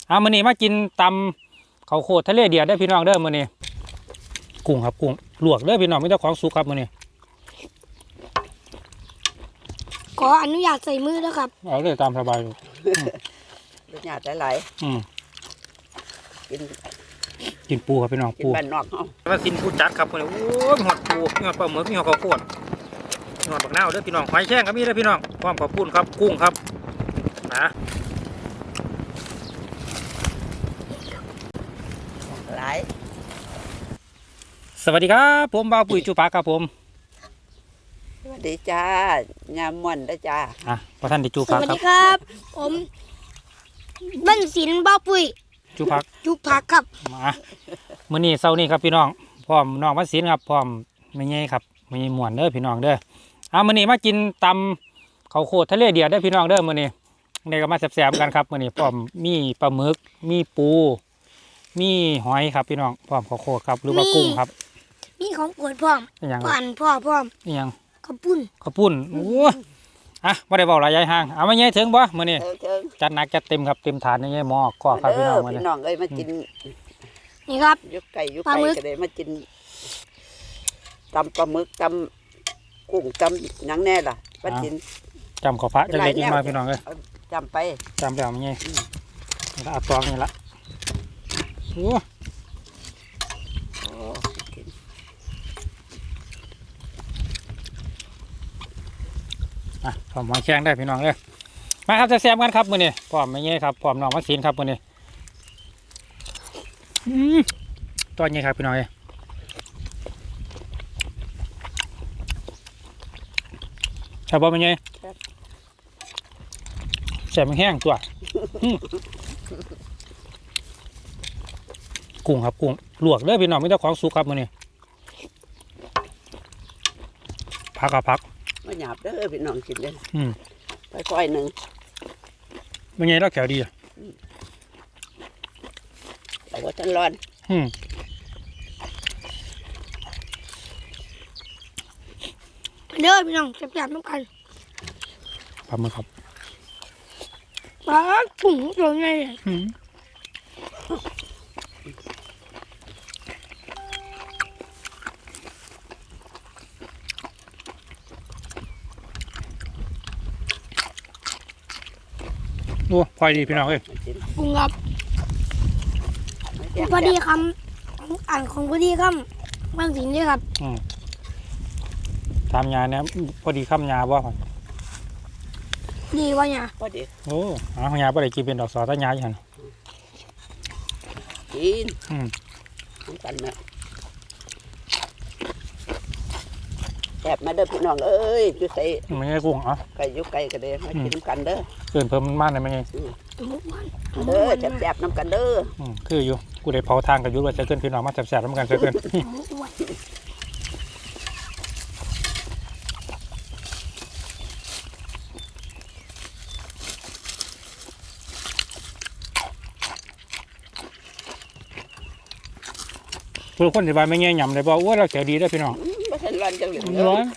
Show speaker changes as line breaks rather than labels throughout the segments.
มื้อนี้มากินตำข้าวโพดทะเลเดือดได้พี่น้องเด้อมื้อนี้กุ้งครับกุ้งลวกเด้อพี่น้องไม่ต้องของสุกครับมื้อนี้
ขออนุญาตใส่มือด้วยครับ
เอาเลยตามสบายลูก
รสชาติหลาย
กินปูครับพี่น้องปู
บ้านนอกเฮา
มากินปูจัดครับมื้อนี้โอ้ยหอดปูหอดปลาหมึกหอดข้าวโพดหอดบักนาวเด้อพี่น้องหอยแครงก็มีเด้อพี่น้องพร้อมกับปูนครับกุ้งครับนะ
หลาย
สวัสดีครับผมบ่าวปุ๋ยจุปาครับผม
สวัสดีจ้ายามม่วนเด้อจ้า
พระท่านได้จุ
ส
ปา
วัส
ครับ
ดีครับผมบ้านศิลป์บ้าปุ้ย
จุพัก
ครับ
มามื้อนี้เช้านี้ครับพี่น้องพร้อมน้องวัดศิลป์ครับพร้อมแม่ใหญ่ครับแม่ใหญ่ม่วนเด้อพี่น้องเด้อมื้อนี้มากินตำข้าวโพดทะเลเดือดเด้อพี่น้องเด้อมื้อนี้ได้ก็มาแซ่บๆกันครับมื้อนี้พร้อมมีปลาหมึกมีปูมีหอยครับพี่น้องพร้อมข้าวโพดครับหรือว่ากุ้งครับ
มีของโปรดพร้อมปั่นพ่อพร้อม
อีหยัง
ข้าวปุ้น
โอ้บ่ได้เว้าหลายยายห่างเอามาใหญ่ถึงบ่มื้อนี้จัดหนักจัดเต็มครับเต็มถาดใหญ่หม้อก็ครับพี่น้องมื้อนี้
พี่น้องเอ้ยมากิน
นี่ครับ
ยุกไก่ก็ได้มากินตำปลาหมึกตำกุ้งตำหยังแน่ล่ะมากิน
จำข้าวพระจังเล็กน้อยพี่น้องเอ้ย
จำไป
จำแล้วมันใหญ่แล้วเอาตองนี่ละโอ้พร้อมหอยแครงได้พี่น้องเลยมาครับจะแซมกันครับมื้อนี้พร้อมไม่เงี้ยครับพร้อมน้องวัดศิลป์ครับมื้อนี้ตัวนี้ครับพี่น้องเลยใช่ป่ะไม่เงี้ยแซมแห้งตัวกุ้งครับกุ้งลวกเลยพี่น้องไม่ต้องของสุกครับมื้อนี้พักกับพัก
มาหยาบเด้อพี่น้องกินเลยค่อยๆหนึ่ง
เป็นไงแล้วแขวดี
แต่ว่าท่านร้อน
เด้อพี่น้องแซ่บๆน้ำกัน
ปลาหมึกครับ
ปลาถุงตัวใหญ่
โอ้พอดีพี่น้องเอ้ย
ปรุงครับพอดีคำอ่านของพอดีคำบ้านศิลป์ด้วยครับ
ตามยาเนี่ยพอดีคำยาบ่ครับ
ดีวะเนี่ย
พอดี
โอ้ยาพอดีกินเป็นดอกสอต้นยาอย่างนั้น
กินน้ำกันนะแอบมาเด้อพี่น้องเอ้ยจุใส่
ไม่ใช่กุ้ง
ไก่ยุกไก่กันเด้อมากินน้ำกันเด้อ
เกินเพิ่มมากเลยไม่ใช่
เด้อแซ่บๆน้ำกันเด้อ
คืออยู่กูได้เผาทางกับยุว่าจะเกินพี่น้องมาแซ่บๆน้ำกันจะเกินทุกคนที่บ้านไม่เงี้ยหยำเลยบอกว่าเราเสียดีได้พี่น้อง
ไม่ใช่ร้อนจังเลย
ร้อน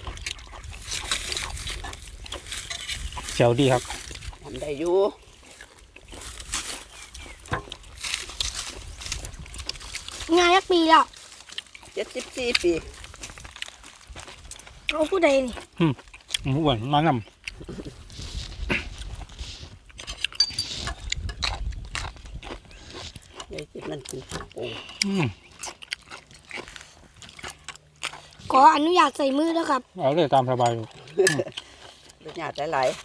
เสียวดีครับ
ทำได้อยู่
งานยักปีแล้ว
74 ปี
เอาผู้ใดนี่
อ้วนมาน
ำได้กินนั่นกินปู
ขออนุญาตใส่มือด้วยครับ
เอาเลยตามสบายลูก
รสชาติหลาย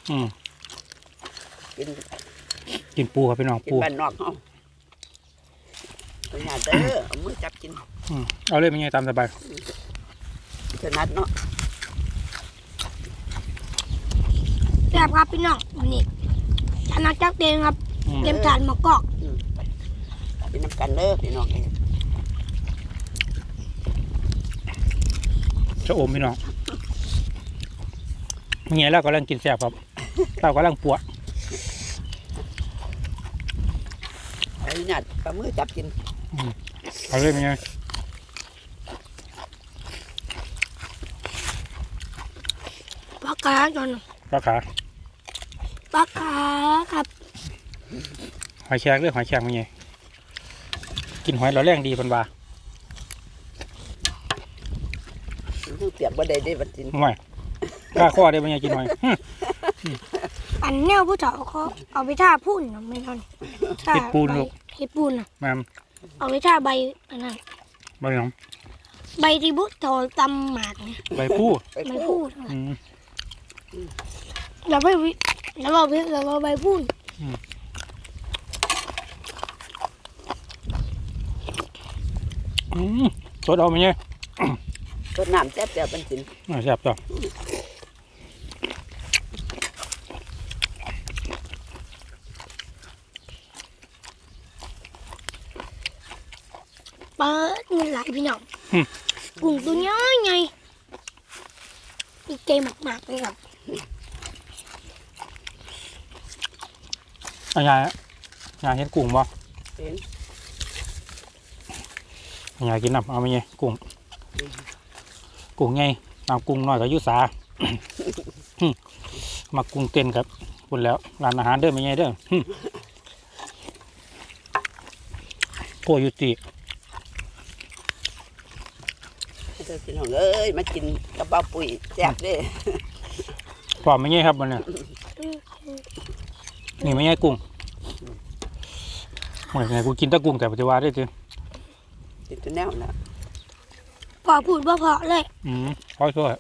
กินปูครับพี่น้อง
ปูบ้านนอกเฮารสชาติเด้อเอามือจับกิน
เอาเลยเป็นไงตามสบาย
ถนัดเนาะ
แซ่บครับพี่น้องวันนี้ถนัดจักเต็มครับเต็มจานหมกกอก
กินน้ำกันเด้อพี่น้อง
จะอมพี่น้องเงี้ยแล้วก็กำลังกินแซ่บครับเรากำลังปวด
ไอ้หนัดปลามือจับกิน
เอาเลยเป็นไง
ปลาขาจน
ปลาขา
ปลาขาครับ
หอยแครงเรื่องหอยแครงเป็นไงกินหอยเราแรงดีเพิ่นว่า
มันเปียกบ่ได้บัดจิน
ห่วยกล้าข้อได้เป็นไงกินหอย
อันแนวผู้เฒ่าเขาเอาไปท่าพุ่นนะไม่ทันท่า
เฮ็ดปูนลูก
เฮ็ดปูนน่ะ
แม่ม
เอาไปท่าใบอันนั้น
ใบหยัง
ใบที่บุเฒ่าตำหมากเนี่ย
ใบผู้
ไป
ใบ
พู
พู
ด
ด
อืม
แล้วไปวิแล้วเราใบพูด
สดเอาไหมเนี่ย
ต้นน้ำแซ่บๆบัดจิน
แซ่บจ้ะ
เปิดเงินไหลพี่น้องกุ้งตัวน้อยไงมีเกมหมากๆเลยครับ
อันยายเห็นกุ้งบ่
เป็น
อันยายกินน้ำเอาไหมเนี่ยกุ้งไงน้ำกุ้งน้อยกับยุสา มากุ้งเต้นครับคุณแล้วร้านอาหารเด้อไหมเนี่ยเด้อโพยุติ
เด้อพี่น้องเอ้ยมากินกระเป๋าปุ๋ยแซ่บเด้
พร้อมไหมเนี่ยครับมันเนี่ยนี่ไหมเนี่ยกุ้งเหมือนไงกูกินแตะกุ้งแต่ปัจจุบันได้จี
กินตัวแนวน่ะ
พอพูดว่าพอเลย
ขอโทษ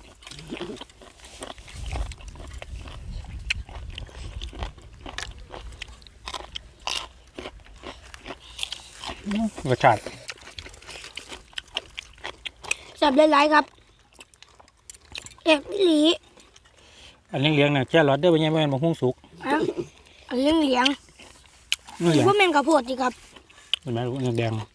รสชาติ
จับหลายๆครับเอ็ดวิลี
อันเลี้ยงเนี่ยแค่รสได้เป็นยังไงมันหุ้งสุก
อ่ะอันเหลียง
นี่เหลือง
ว่าแมงกะโพดสิครับ
เป็นไหมลูกแดง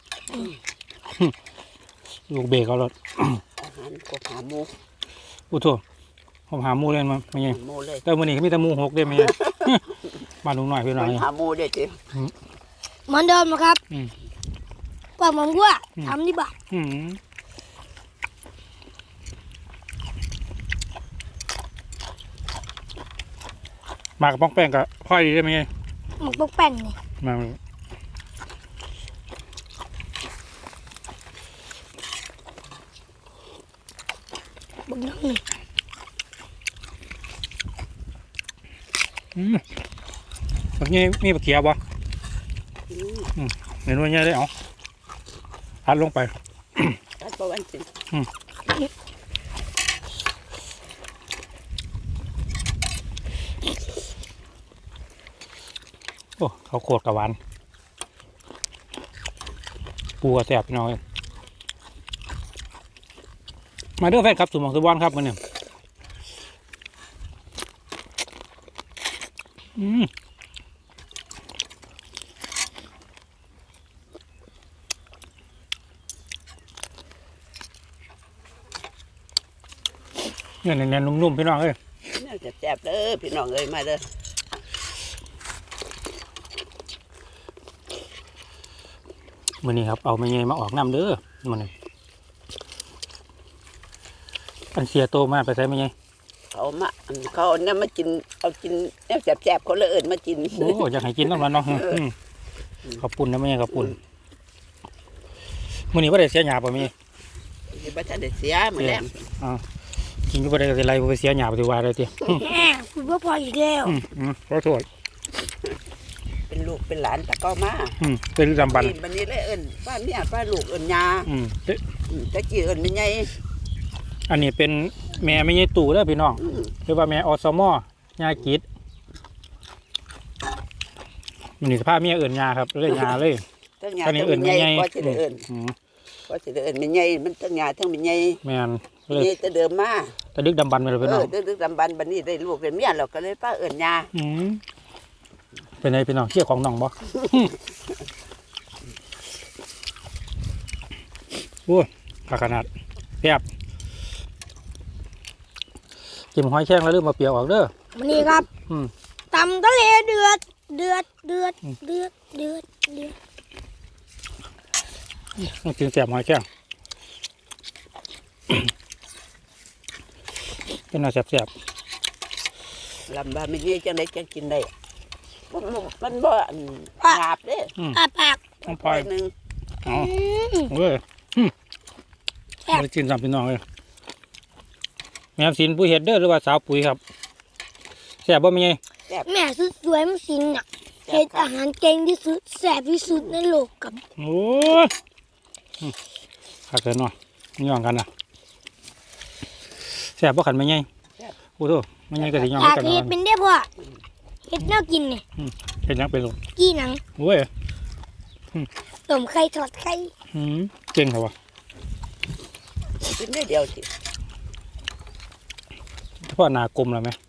ลูกเบรกเอารส
อาหารกบหาหมู
อู้โถผมหาหมูเล่นมาเป็นยัง
หมูเลย
แต่วันนี้ก็มีแต่หมูหกได้ไหม มาดูหน่อยพี่หน่อย
หาหมูเด้จิ
เหมือนเดิมนะครับ
อืม
ว่ามันว่าทำดีบ่า
มากับป้องแป้งกับพ่อยดีได้ไหม
หมกปกแป้นนี่
มา
บึกน้องนี่
แบบนี้มีปลาเขียวบ่เห็นว่าเนี่ยได้เอาอัดลงไป
ตัดบ่วันจิน
โอ้เขาวโคตรกับหวานปูกระแสบพี่น้องเอ้ยมาเด้อแฟนครับสุหมองสุบอนครับมันเนี่ยเนี่ยแน่นๆนุ่มๆพี่น้องเอ้ย
น่าจะแซ่บเด้อพี่น้องเอ้ยมาเด้อ
มื้อนี้ครับเอาไม่ไงมาออกน้ำเด้อมันนี่อันเสียโตมากไปใส่ไม่ไง
เขาเนี่ยมากินเอากินแนวแซ่บๆเขาเลยเอิ้นมากิน
โอ้อยากให้กินน้ำมันเนาะขอบปุ่นนะไม่ไงขอบปุ่นมื้อนี้ว่าได้เสียหยาป่ะมี
สิบ่ทันได้เสียมื้อแลง
กินก็บ่ได้ก็สิไล่บ่ไปเสียหยาปฏิวัติเลยติ
แหมพูดว่าพออีกแล้ว
ขอโทษ
เป็นลูกเป็นหลานตะเก้ามา
เป็นลำบัน
บัดนี้เลยเอิ้นป้าเมียป้าลูกเอิ้นยา
เอ๊ะ
ตะกี้เอิ้นแม่ใหญ่
อันนี้เป็นแม่ไม่ใช่ตู่เด้อพี่น้องหรือว่าแม่อสมยากิจมันนี่สภาพเมียเอิ้นยาครับเลยยาเลย
ทั้งยา
อันนี้
ทั้ง
เอิ้น
แม่ใหญ่
แม่ใหญ่
ก็สิได้เอิ้นก็สิได้เอิ้นแม่ใหญ่มันทั้งยาทั้งแม่ใหญ่
แม่น
แม่
เลย
ใหญ่แต่เดิมมา
ตะดึกดำบันไปเลยพี่น้อง
ดึกๆดำบันบัดนี้ได้ลูกได้เมียแล้วก็เลยป้าเอิ้นยา
เป็นไงพี่น้องเชี่ยของน้องบ่โอ้ยผักขนาดแซ่บจิ้มหอยแข้งแล้วลืมมาเปียกออกเด้อ
วันนี้ครับ
อืม
ตำทะเลเดือดเดือดเดือดเดือดเดือดเดือด
ต้องกินแซ่บหอยแข้ง เป็นน่าแซ่บ
ลำบากแม่ใหญ่จังได๋จังกินได้
ๆ
มันบ่อันหยาบเด้
อาปาก
ต้องปล่อย
หนึ่ง
เอาเว้ยไปกินสามพี่น้องเลยแม่สินผู้เฮ็ดเด้อหรือว่าสาวปุ๋ยครับแซ่บบ่แม่ใหญ่
แม่สุดสวยมันสินอ่ะเฮ็ดอาหารเก่งที่สุดแซ่บที่สุดในโลกกับ
โอ้ยคักเกินเนาะย่องกันนะแซ่บบ่ขันแม่ใหญ่โอ้โหแม่ใหญ่ก็สิย่อง
อยาก
กัน
เฮ็ด
เนาะ
เป็นได้พ่อเฮ็ดแนวกินนี่
เป็นหยังเป็นลูก
กี้หนัง
โอ้ย
ต้มไข่ทอดไข่
เก่งครับวะ
กินได้เดียวสิ
พ่อหนากลมแล้วไหม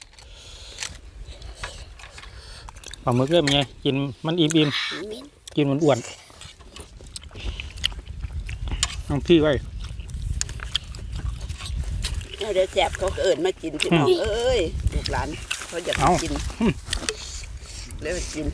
ปลาหมึกเริ่มไงกินมันอิ่มกินมันอ้วนน้องพี่ไว้
เดี๋ยวแสบเขาก็เอิญมากินพี่น้องเอ้ยลูกหลานเขาอยากกินเลยมากิน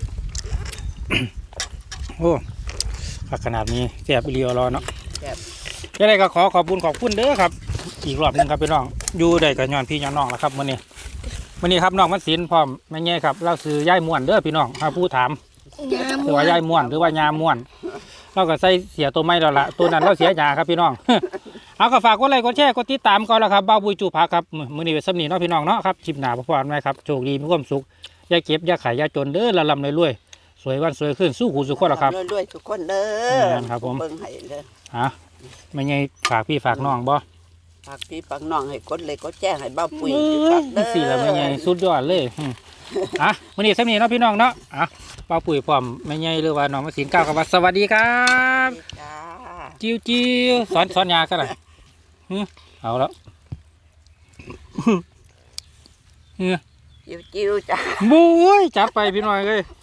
โอ้ขนาดนี้แซ่บอีเลียวรอเนาะ
แซ่บ
ยังไงก็ขอขอบคุณเด้อครับ อีกรอบหนึงครับพี่น้องอยู่ได้กับย้อนพี่ย้อนน้องแล้วครับมื้อนี้ครับน้องมันศิลป์พร้อมแม่แง่ครับเราซื้อย่ายม่วนเด้อพี่น้องถ้าผู้ถาม หรือว่ายายม่วนหรือว่ายาม่วนเราก็ใส่เสียตัวไม่แล้วล่ะตัวนั้นเราเสียยาครับพี่น้อง เอาก็ฝากกดไลค์กดแชร์กดติดตามก่อนแล้วครับบ้าบุยจูพักครับมื้อนี้เป็นสำนีเนาะพี่น้องเนาะครับคลิปหน้าพบกันใหม่ครับโชคดีมีความสุขอย่าเก็บอย่าขายอย่าจนเด้อละลำรวยๆสวยวันสวยขึ้นสู้หูสู้คนแล้วครับ
รวยๆทุกคนเด้อ
ครับผม
เบิ่งให้เด้อ
ฮะไม่ไงฝากพี่ฝากน้องบ่
ฝากพี่ฝากน้องให้กดเลยกดแจ้งให้บ้าปุ๋ย
เอ้
ฝาย กเด้อ
สิละไม่ไงสุดยอดเลยอ่ะมื้อนี้สำนีเนาะพี่น้องเนาะอ่ะป้าปุ๋ยพร้อมไม่ไงหรือว่าน้องมาสินก้าวกับว่าสวัสดีครับ
จ้า
จิ้วสอนยากันหน่อยเอาแล้ว
จิ้วๆจ้า
บุ้ยจับไปพี่น้อยเลย